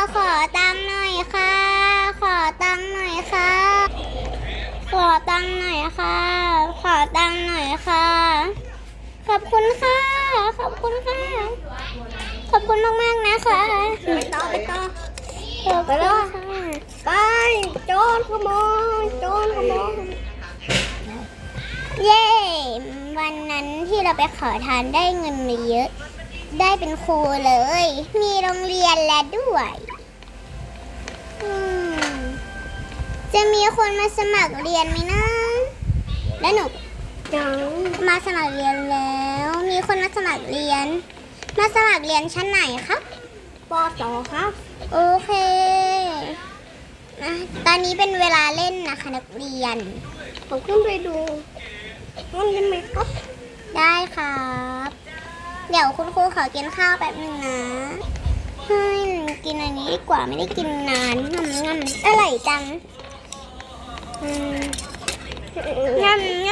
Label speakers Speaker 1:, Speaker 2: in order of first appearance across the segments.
Speaker 1: ขอตังค์หน่อยค่ะ ขอตังค์หน่อยค่ะ ขอตังค์หน่อยค่ะ ขอตังค์หน่อยค่ะ ขอบคุณค่ะ ขอบคุณค่ะ ขอบคุณมากๆนะคะไปต่อไปแล้วไปโจรขโมยโจรขโมยเย้วันนั้นที่เราไปขอทานได้เงินมาเยอะ ได้เป็นครูเลย มีโรงเรียนแล้วด้วยจะมีคนมาสมัครเรียนไหมนะแล้วหนูมาสมัครเรียนแล้ว มีคนมาสมัครเรียน มาสมัครเรียนชั้นไหนครับป .2 ครับ โอเคตอนนี้เป็นเวลาเล่นนะคะนักเรียนผมขึ้นไปดูมันได้ไหมครับได้ครับเดี๋ยวคุณครูขอกินข้าวแป๊บนึงนะให้กินอันนี้ดีกว่าไม่ได้กินนานง่ำอร่อยจังง่ำ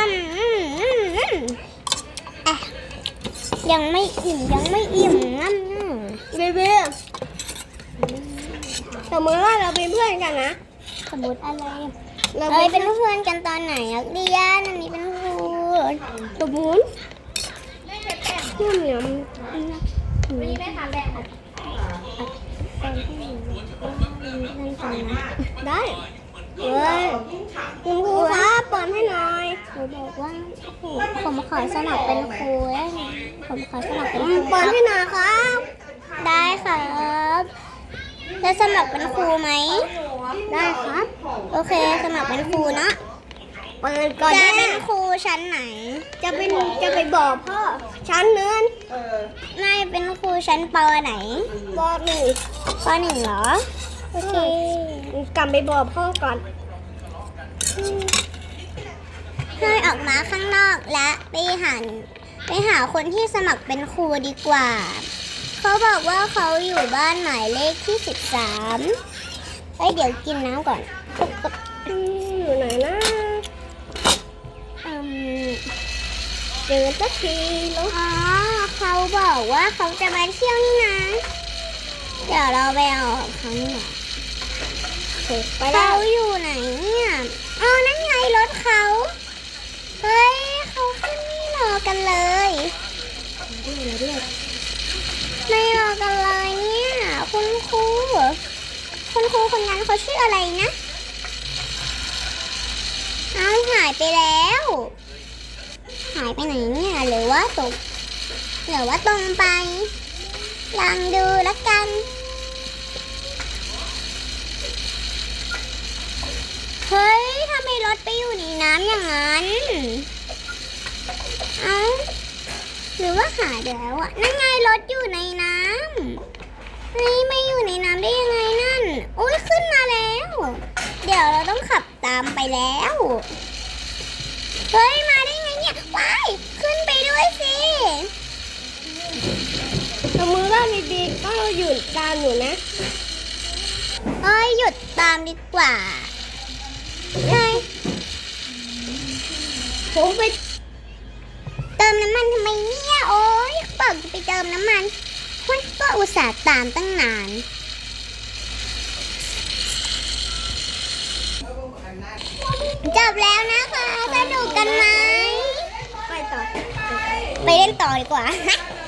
Speaker 1: ยังไม่อิ่มง่ำเบสมมติว่าเราเป็นเพื่อนกันนะสมมติอะไรเราเป็นเพื่อนกันตอนไหนนักเรียนอันนี้เป็นครูสมมติเนี่ยวันนี้ไม่ทำแบบได้คุณครูครับเปิดให้หน่อยครูบอกว่าผมขอสมัครเป็นครูได้ไหมผมขอสมัครเป็นครูเปิดให้หน่อยครับได้ครับจะสมัครเป็นครูไหมได้ครับโอเคสมัครเป็นครูนะเปิดก่อนจะเป็นครูชั้นไหนจะไปบอกพ่อชั้นนึงนายเป็นครูชั้นป.ไหนป.1 เหรอโอเคกลับไปบอกพ่อก่อนให้ออกมาข้างนอกและไปหาคนที่สมัครเป็นครูดีกว่าเขาบอกว่าเขาอยู่บ้านหมายเลขที่13เดี๋ยวกินน้ำก่อนอยู่ไหนนะเจอสักทีแล้วเขาบอกว่าเขาจะมาเที่ยวนี่นะเดี๋ยวเราไปเอาเขาหน่อยเขาอยู่ไหนเนี่ยนั่นไงรถเขาเฮ้ยเขาขึ้นไม่รอกันเลยไม่รอกันเลยเนี่ยคุณครูคนนั้นเขาชื่ออะไรนะหายไปแล้วหายไปไหนเนี่ยหรือว่าตรงไปลองดูละกันเฮ้ยทำไมรถไปอยู่ในน้ำอย่างนั้นหรือว่าหายไปแล้วนั่นไงรถอยู่ในน้ำเฮ้ยไม่อยู่ในน้ำได้ยังไงนั่นโอ้ยขึ้นมาแล้วเดี๋ยวเราต้องขับตามไปแล้วเฮ้ยมาได้ไงเนี่ยว้ายขึ้นไปด้วยสิสมมติว่าดีๆก็หยุดตามอยู่นะหยุดตามดีกว่าใช่ผมไปเติมน้ำมันทำไมเนี่ยโอ๊ยบอกจะไปเติมน้ำมันก็อุตส่าห์ตามตั้งนานจบแล้วนะคะสนุกกันไหมไปเล่นต่อดีกว่า